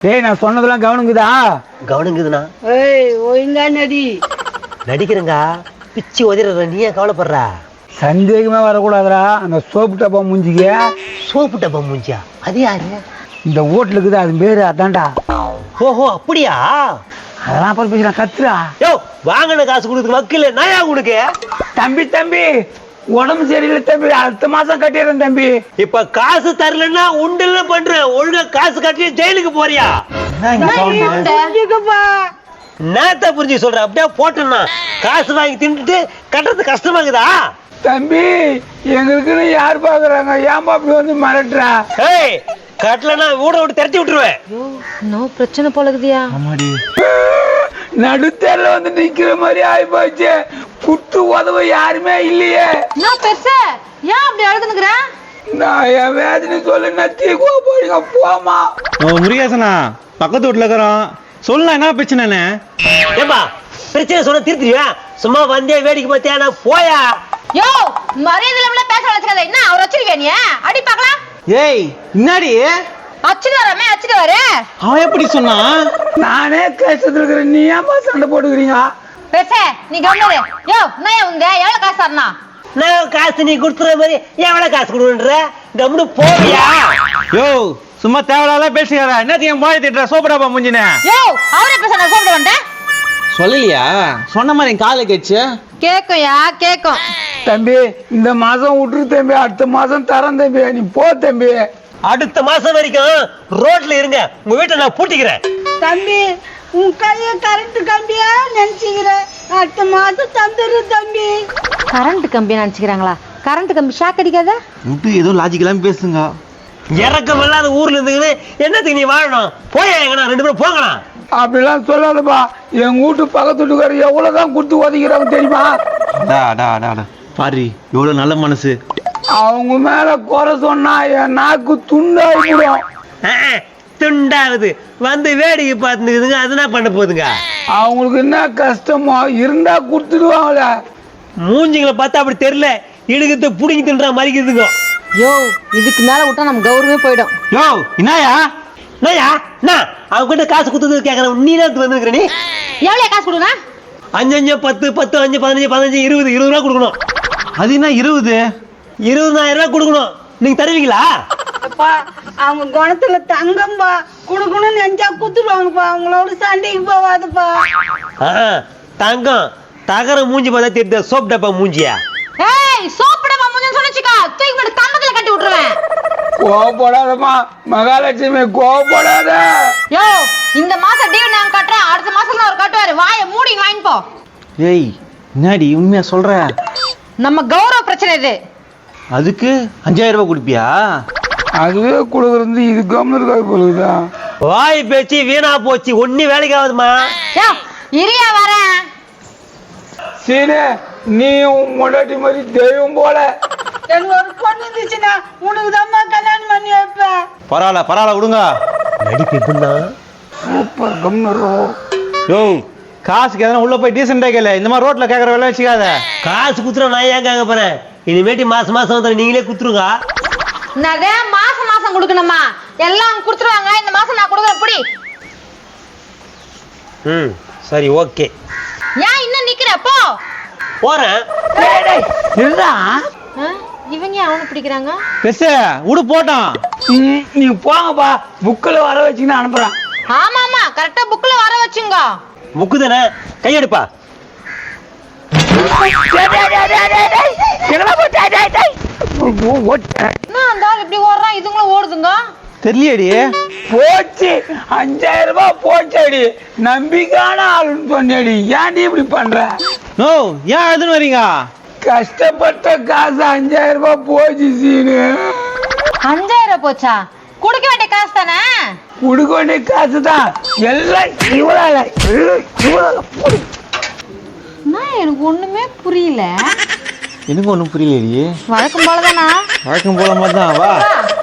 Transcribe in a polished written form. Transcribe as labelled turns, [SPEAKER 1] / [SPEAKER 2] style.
[SPEAKER 1] டேய் நான் சொன்னதெல்லாம் கவனிக்குதா?
[SPEAKER 2] கவனிக்குதுண்ணா.
[SPEAKER 3] ஒழுங்கா நடி.
[SPEAKER 2] நடிக்கிறேங்க. பிச்சு உதற, நீ ஏன் கவலைப்படுற?
[SPEAKER 1] சந்தேகமே வரக்கூடாதுடா. அந்த சோப்பு டப்பா மூஞ்சிக்க.
[SPEAKER 2] சோப்பு டப்பா மூஞ்சியா? அது யாரு?
[SPEAKER 1] இந்த வீட்டுல இருக்குது, அது பேரு அதான்டா.
[SPEAKER 2] ஓஹோ அப்படியா?
[SPEAKER 1] அதெல்லாம் அப்புறம் பேசுறேன், கத்துறா.
[SPEAKER 2] யோ வாங்கின காசு கொடுத்து வக்கீல நாயா உனக்கு?
[SPEAKER 1] தம்பி தம்பி உடம்பு சரியில்லை தம்பி, அடுத்த மாசம் கட்டிடுறேன் தம்பி.
[SPEAKER 2] இப்ப காசு தரலன்னா உண்டுல பண்றேன். ஒழுங்கா காசு கட்டி ஜெயிலுக்கு போறியா? நேத்த புரிஞ்சு சொல்ற. அப்படியே போட்டேன்னா காசு வாங்கி தின்னுட்டு கட்டுறது கஷ்டமாக்குதா?
[SPEAKER 1] தம்பி எங்களுக்குன்னு யார் பாக்குறாங்க? ஏன்பா அப்படி வந்து மிரட்டுறா?
[SPEAKER 2] ஏய் கட்டலன்னா ஊட விட்டு திரட்டி விட்டுருவேன்.
[SPEAKER 3] இன்னும் பிரச்சனை போலக்குதியா?
[SPEAKER 1] நடுத்தேர்ல வந்து நிக்கிற மாதிரி ஆயி போச்சு. குட்டு உதவ யாருமே இல்லையே.
[SPEAKER 3] நான் பெருசா ஏன் அப்படி அழுதுனுக்குற?
[SPEAKER 1] நான் என் வேதனை சொல்லு, நத்தி போறீங்க போமா.
[SPEAKER 4] முருகேசனா பக்கத்து வீட்டுல இருக்கிறோம், சொல்லலாம் என்ன பிரச்சனை?
[SPEAKER 2] ஏப்பா பிரச்சனை சொன்ன திருத்திடுவா? சும்மா வந்தே வேடிக்கை பார்த்தியா? நான் போயா?
[SPEAKER 3] யோ மரியாதை இல்லாம பேச வச்சுக்காத. என்ன அவர் வச்சிருக்கே நீ? அடி பார்க்கலாம்.
[SPEAKER 4] ஏய் என்னடி
[SPEAKER 3] அச்சிட்டு வரமே, அச்சிட்டு வர.
[SPEAKER 4] அவன் எப்படி சொன்னான்?
[SPEAKER 1] நானே கஷ்டத்துல இருக்கிறேன், நீ ஏன்பா சண்டை போட்டுக்கிறீங்க?
[SPEAKER 3] பெருசே நீ கவனிரு. யோ நான் உங்க எவ்வளவு காசு தரனா?
[SPEAKER 2] நான் காசு நீ கொடுத்துற மாதிரி எவ்வளவு காசு கொடுன்ற? கம்னு போவியா?
[SPEAKER 4] யோ சும்மா தேவையில்லாத பேசுகிறா. என்னத்தையும் போய் திட்டுற சோப்பு டப்பா மூஞ்சினே.
[SPEAKER 3] யோ அவரே பேச நான் சாப்பிட வந்தேன்.
[SPEAKER 4] சொல்லலையா? சொன்ன மாதிரி என் காலை கேச்சு.
[SPEAKER 3] கேக்கும்யா கேக்கும்.
[SPEAKER 1] தம்பி இந்த மாசம் விட்டுரு தம்பி, அடுத்த மாசம் தரேன் தம்பி. நீ போ தம்பி.
[SPEAKER 2] அடுத்த மாசம் வரைக்கும் ரோட்ல இருங்க. உங்க வீட்டை நான் பூட்டிக்கிறேன்.
[SPEAKER 5] தம்பி உன் கைய கரண்ட் கம்பியா நினைச்சுக்கிறேன். அடுத்த மாசம் தந்துரு தம்பி.
[SPEAKER 3] கரண்ட் கம்பி நினைச்சுக்கிறாங்களா? கரண்ட் கம்பி ஷாக் அடிக்காத?
[SPEAKER 4] விட்டு ஏதோ லாஜிக்கெல்லாம் பேசுங்க.
[SPEAKER 2] இறக்கம் இல்லாத ஊர்ல இருந்துக்கின்னு என்னத்துக்கு நீ வாழணும்? போயா எங்கண்ணா, ரெண்டு பேரும் போங்கண்ணா.
[SPEAKER 1] அப்படிலாம் சொல்லாதப்பா. எங்க வீட்டு பக்கத்து வீட்டுக்காரர் எவ்வளவுதான் கொடுத்து உதைக்கிறாங்க தெரியுமா?
[SPEAKER 4] பாரு எவ்வளவு நல்ல மனசு.
[SPEAKER 1] அவங்க மேல குறை சொன்னா என் நாக்கு துண்டாயிடும்.
[SPEAKER 2] துண்டாவது வந்து வேடிக்கை பார்த்துக்குதுங்க. அது என்ன பண்ண போகுதுங்க?
[SPEAKER 1] அவங்களுக்கு என்ன கஷ்டமோ இருந்தா கொடுத்துடுவாங்களே.
[SPEAKER 2] மூஞ்சிங்களை பார்த்தா அப்படி தெரியல, இடுக்கத்தை புடிங்கி தின்றா மறிக்குதுங்க.
[SPEAKER 3] யோ இதுக்கு மேல விட்டா நம்ம கௌரவமே போயிடும்.
[SPEAKER 4] யோ என்னயா
[SPEAKER 2] என்னய்யா என்ன அவங்க கிட்ட காசு கொடுத்தது கேட்கறேன். நீ தான் வந்துருக்கிற. நீ
[SPEAKER 3] எவ்வளவு காசு கொடுனா?
[SPEAKER 2] 5 5 10 10 5 15 15 20 20 ரூபா கொடுக்கணும்.
[SPEAKER 4] அது என்ன 20?
[SPEAKER 2] 20,000 ரூபா கொடுக்கணும். நீங்க தருவீங்களா?
[SPEAKER 5] அப்பா அவங்க குணத்துல தங்கம்பா, குடுக்கணும்னு நினைச்சா குத்துருவாங்கப்பா. அவங்களோட சண்டைக்கு போவாதுப்பா.
[SPEAKER 2] தங்கம் தகர மூஞ்சி பார்த்தா தெரியுது. சோப் டப்பா மூஞ்சியா?
[SPEAKER 3] ஏய் சோப்புட மாமுன்னு சொன்னச்சுக்கா, தூக்கி போட்டு கம்பத்துல கட்டி விட்டுருவேன்.
[SPEAKER 1] கோவப்படாதம்மா மகாலட்சுமி, கோவப்படாத.
[SPEAKER 3] யோ இந்த மாசம் டியூ நான் கட்டுறேன், அடுத்த மாசம் அவர் கட்டுவாரு. வாயை மூடி வாங்கி போ.
[SPEAKER 4] ஏய் என்னடி உண்மையா சொல்ற?
[SPEAKER 3] நம்ம கௌரவ பிரச்சனை இது.
[SPEAKER 4] அதுக்கு 5000 ரூபாய் கொடுப்பியா?
[SPEAKER 1] அதுவே கொடுக்குறது இது கம்னருக்காக போகுதா?
[SPEAKER 2] வாய் பேச்சு வீணா போச்சு. ஒண்ணு வேலைக்கு ஆகுதுமா?
[SPEAKER 3] யோ இரியா வரேன்.
[SPEAKER 1] சீனே நீ உன் முன்னாடி மாதிரி தெய்வம் போல.
[SPEAKER 5] எனக்கு ஒரு பொண்ணு இருந்துச்சுன்னா உனக்கு தான் கல்யாணம் பண்ணி வைப்பேன்.
[SPEAKER 4] பரவாயில்ல விடுங்க.
[SPEAKER 2] நடிப்பு எப்படின்னா?
[SPEAKER 1] சூப்பர் கம்னரோ.
[SPEAKER 4] யோ காசுக்கு எதனா உள்ள போய் டீசெண்டா கேளு. இந்த மாதிரி ரோட்ல கேக்குற வேலை வச்சுக்காத.
[SPEAKER 2] காசு குத்துற நான் ஏன் கேட்க போறேன்? இனிமேட்டு மாசம் மாசம் வந்து நீங்களே குத்துருங்க.
[SPEAKER 3] என்னது மாசம் மாசம் கொடுக்கணுமா? எல்லாம் கொடுத்துருவாங்க. இந்த மாசம் நான் கொடுக்குறேன் புடி.
[SPEAKER 2] சரி ஓகே.
[SPEAKER 3] ஏன் இன்னும் நிக்கிற? போ
[SPEAKER 2] போறேன்.
[SPEAKER 1] இருடா.
[SPEAKER 3] இவங்க அவனை பிடிக்கிறாங்க.
[SPEAKER 4] பெருசு விடு போட்டோம்.
[SPEAKER 1] நீ போங்கப்பா, புக்கில் வர வச்சுன்னு அனுப்புறேன்.
[SPEAKER 3] ஆமா ஆமா கரெக்டா புக்ல வர வச்சுங்க.
[SPEAKER 2] முக்கு தானே, கையெடுப்பா.
[SPEAKER 3] என்ன அந்த ஆள் இப்படி ஓடுறான்? இதுங்களும் ஓடுதுங்க.
[SPEAKER 4] தெரியலடி.
[SPEAKER 1] போச்சு 5000 ரூபாய் போச்சடி. நம்பிக்கையான ஆளுன்னு சொன்னடி. ஏன்டி இப்படி பண்ற?
[SPEAKER 4] நோ ஏன் அழுதுன்னு வரீங்க?
[SPEAKER 1] கஷ்டப்பட்ட காசு 5000 ரூபாய் போச்சு சீனு.
[SPEAKER 3] 5000 போச்சா? கொடுக்க வேண்டிய காசு தானே?
[SPEAKER 1] கொடுக்க வேண்டிய காசு தான். எல்லாம் இவளால
[SPEAKER 3] எனக்கு ஒண்ணுமே புரியல.
[SPEAKER 4] எனக்கு ஒண்ணும் புரியலடி.
[SPEAKER 3] வழக்கம் போலதானா?
[SPEAKER 4] வழக்கம் போல மாதிரி தான். வா